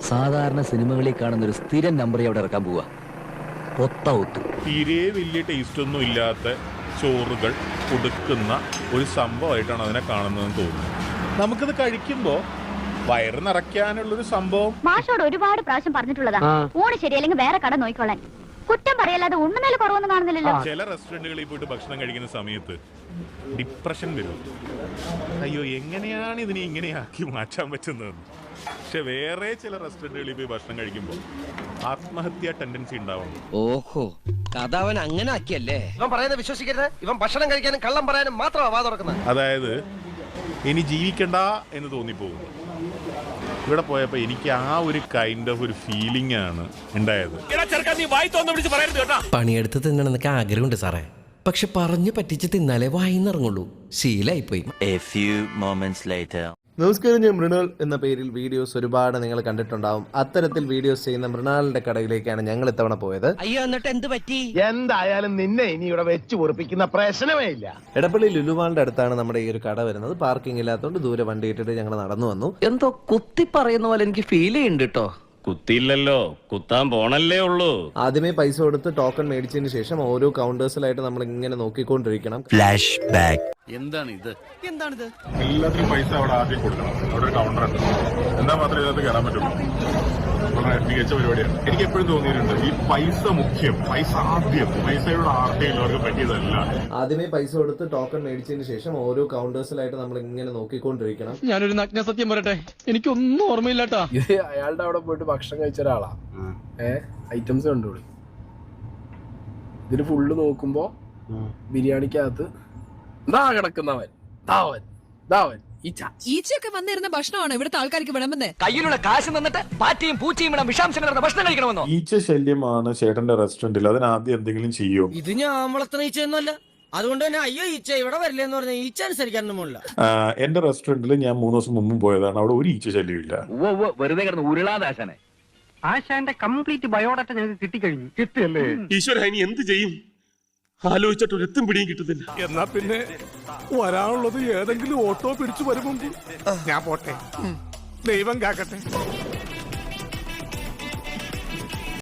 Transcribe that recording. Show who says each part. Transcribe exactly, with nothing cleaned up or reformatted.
Speaker 1: സാധാരണ സിനിമകളിൽ കാണുന്ന ഒരു സ്ഥിരം നമ്പർ അവിടെ ഇറക്കാൻ പോവാ.
Speaker 2: തീരെ വലിയ ടേസ്റ്റ് ഒന്നും ഇല്ലാത്ത ചോറുകൾ കൊടുക്കുന്ന ഒരു സംഭവമായിട്ടാണ് അതിനെ കാണുന്നതെന്ന് തോന്നുന്നു. നമുക്കിത് കഴിക്കുമ്പോ വയറ് നിറയ്ക്കാനുള്ളൊരു സംഭവം
Speaker 3: മാഷോട് ഒരുപാട് പ്രാവശ്യം പറഞ്ഞിട്ടുള്ളതാ. ഊണ് ശരിയല്ലെങ്കിൽ വേറെ കട നോക്കിക്കോളാൻ. കുറ്റം പറയല്ലാതെ ഉണ്ണുമേൽ കുറവൊന്നും കാണുന്നില്ലല്ലോ.
Speaker 2: ചില റെസ്റ്റോറന്റുകളിൽ പോയിട്ട് ഭക്ഷണം കഴിക്കുന്ന സമയത്ത് ഡിപ്രഷൻ വരും. അയ്യോ, എങ്ങനെയാണ് ഇതിനെ ഇങ്ങനെയാക്കി മാറ്റാൻ പറ്റുന്നതെന്ന്. പക്ഷെ വേറെ ചില റെസ്റ്റോറന്റുകളിൽ പോയി ഭക്ഷണം കഴിക്കുമ്പോൾ ആത്മഹത്യാ ടെൻഡൻസി ഉണ്ടാവുന്നു.
Speaker 4: ഓഹോ, കഥ അവൻ അങ്ങനെ ആക്കിയല്ലേ.
Speaker 5: ഇവൻ പറയുന്നത് വിശ്വസിക്കരുത്. ഇവൻ ഭക്ഷണം കഴിക്കാനും കള്ളം പറയാനും മാത്രമാണ് വാ തുറക്കുന്നത്.
Speaker 2: അതായത് ഇനി ജീവിക്കണ്ട എന്ന് തോന്നിപ്പോകുന്നു. ഇവിടെ പോയപ്പോ എനിക്ക് ആ ഒരു കൈൻഡ് ഓഫ് ഒരു ഫീലിംഗ് ആണ് ഉണ്ടായത്.
Speaker 4: പണിയെടുത്ത് തിന്നണമെന്നൊക്കെ ആഗ്രഹമുണ്ട് സാറേ, പക്ഷെ പറഞ്ഞു പറ്റിച്ച് തിന്നാലേ വായിന്നിറങ്ങുള്ളൂ. ശീലായിപ്പോയി.
Speaker 6: നമസ്കാരം, ഞാൻ മൃണാൾ എന്ന പേരിൽ വീഡിയോസ് ഒരുപാട് നിങ്ങൾ കണ്ടിട്ടുണ്ടാവും. അത്തരത്തിൽ വീഡിയോസ് ചെയ്യുന്ന മൃണാളിന്റെ കടയിലേക്കാണ് ഞങ്ങൾ ഇത്തവണ പോയത്.
Speaker 4: അയ്യോ, എന്നിട്ട് എന്ത് പറ്റി?
Speaker 5: എന്തായാലും നിന്നെ ഇനി ഇവിടെ വെച്ച് പൊറിപ്പിക്കുന്ന പ്രശ്നമേ ഇല്ല.
Speaker 6: എടപ്പള്ളി ലുലുമാളിന്റെ അടുത്താണ് നമ്മുടെ ഈ ഒരു കട വരുന്നത്. പാർക്കിംഗ് ഇല്ലാത്തതുകൊണ്ട് ദൂരെ വണ്ടി ഇട്ടിട്ട് ഞങ്ങൾ നടന്നു വന്നു.
Speaker 1: എന്തോ കുത്തി പറയുന്ന പോലെ എനിക്ക് ഫീൽ ചെയ്യുന്നുണ്ട് കേട്ടോ.
Speaker 7: കുത്തിയില്ലല്ലോ, കുത്താൻ പോണല്ലേ ഉള്ളൂ.
Speaker 6: ആദ്യമേ പൈസ കൊടുത്ത് ടോക്കൺ മേടിച്ചതിന് ശേഷം ഓരോ കൗണ്ടേഴ്സിലായിട്ട് നമ്മൾ ഇങ്ങനെ നോക്കിക്കൊണ്ടിരിക്കണം.
Speaker 1: Flash back.
Speaker 7: എന്താണ് ഇത്? എന്താണിത്?
Speaker 2: എല്ലാത്തിനും പൈസ അവിടെ ആദ്യം കൊടുക്കണം. അവിടെ ഒരു കൗണ്ടർ ഉണ്ട്. എന്താ മാത്രമേ ഇതിനകത്ത് കയറാൻ പറ്റുള്ളൂ. വളരെ മികച്ച പരിപാടിയാണ്. എനിക്ക് എപ്പോഴും തോന്നിയിട്ടുണ്ട് ഈ പൈസ മുഖ്യം, പൈസ ആദ്യം, പൈസയുടെ ആർത്തിയുള്ളവർക്ക് പറ്റിയതല്ല.
Speaker 6: ആദ്യമേ പൈസ കൊടുത്ത് ടോക്കൺ മേടിച്ചതിന് ശേഷം ഓരോ കൗണ്ടേഴ്സിലായിട്ട് നമ്മൾ ഇങ്ങനെ നോക്കിക്കൊണ്ടിരിക്കണം.
Speaker 8: ഞാനൊരു നഗ്ന സത്യം പറയട്ടെ, എനിക്കൊന്നും ഓർമ്മയില്ലാട്ടാ.
Speaker 9: ഇത് അയാളുടെ അവിടെ പോയിട്ട് ഭക്ഷണം കഴിച്ച ഒരാളാ. ഏഹ് ഐറ്റംസ് കണ്ടോളി. ഇതിന് ഫുള്ള് നോക്കുമ്പോ ബിരിയാണിക്കകത്ത് ദാ കിടക്കുന്നവൻ, ദാവൻ ദാവൻ ഈച്ച.
Speaker 10: ഈച്ചയൊക്കെ വന്നിരുന്ന ഭക്ഷണമാണ് ഇവിടുത്തെ ആൾക്കാർക്ക് വിളമ്പുന്നേ.
Speaker 1: കയ്യിലുള്ള കാശ് നിന്നിട്ട് പാറ്റിയും പൂച്ചയും ഇവിടെ വിഷാംശം കലർന്ന ഭക്ഷണം കഴിക്കണമെന്നോ?
Speaker 2: ഈച്ച ശല്യമാണ് ചേട്ടന്റെ റെസ്റ്റോറന്റിൽ. അതിനാദ്യം എന്തെങ്കിലും ചെയ്യോ?
Speaker 4: ഇത് ഞാൻ വളർത്തുന്ന ഈച്ചയൊന്നുമല്ല, അതുകൊണ്ട് തന്നെ അയ്യോ ഈച്ച ഇവിടെ വരില്ലെന്ന് പറഞ്ഞ ഈച്ച അനുസരിക്കാനൊന്നും പോലില്ല.
Speaker 2: എന്റെ റെസ്റ്റോറന്റിൽ ഞാൻ മൂന്ന് ദിവസം മുമ്പും പോയതാണ്. അവിടെ ഒരു ഈച്ച ശല്യമില്ല.
Speaker 1: വെറുതെ കിടന്ന് ഉരുളാദാശനെ.
Speaker 8: ആശാന്റെ കംപ്ലീറ്റ് ബയോഡാറ്റ ഞങ്ങൾക്ക് കിട്ടിക്കഴിഞ്ഞു.
Speaker 2: കിട്ടിയല്ലേ?
Speaker 7: ഈശ്വര, ഇനി എന്ത് ചെയ്യും? ആലോചിച്ചിട്ട് ഒരു എത്തും പിടിയും കിട്ടുന്നില്ല.
Speaker 9: എന്നാ പിന്നെ വരാനുള്ളത് ഏതെങ്കിലും ഓട്ടോ പിടിച്ചു വരുമ്പോ ഞാൻ പോട്ടെ. ദൈവം കാക്കട്ടെ.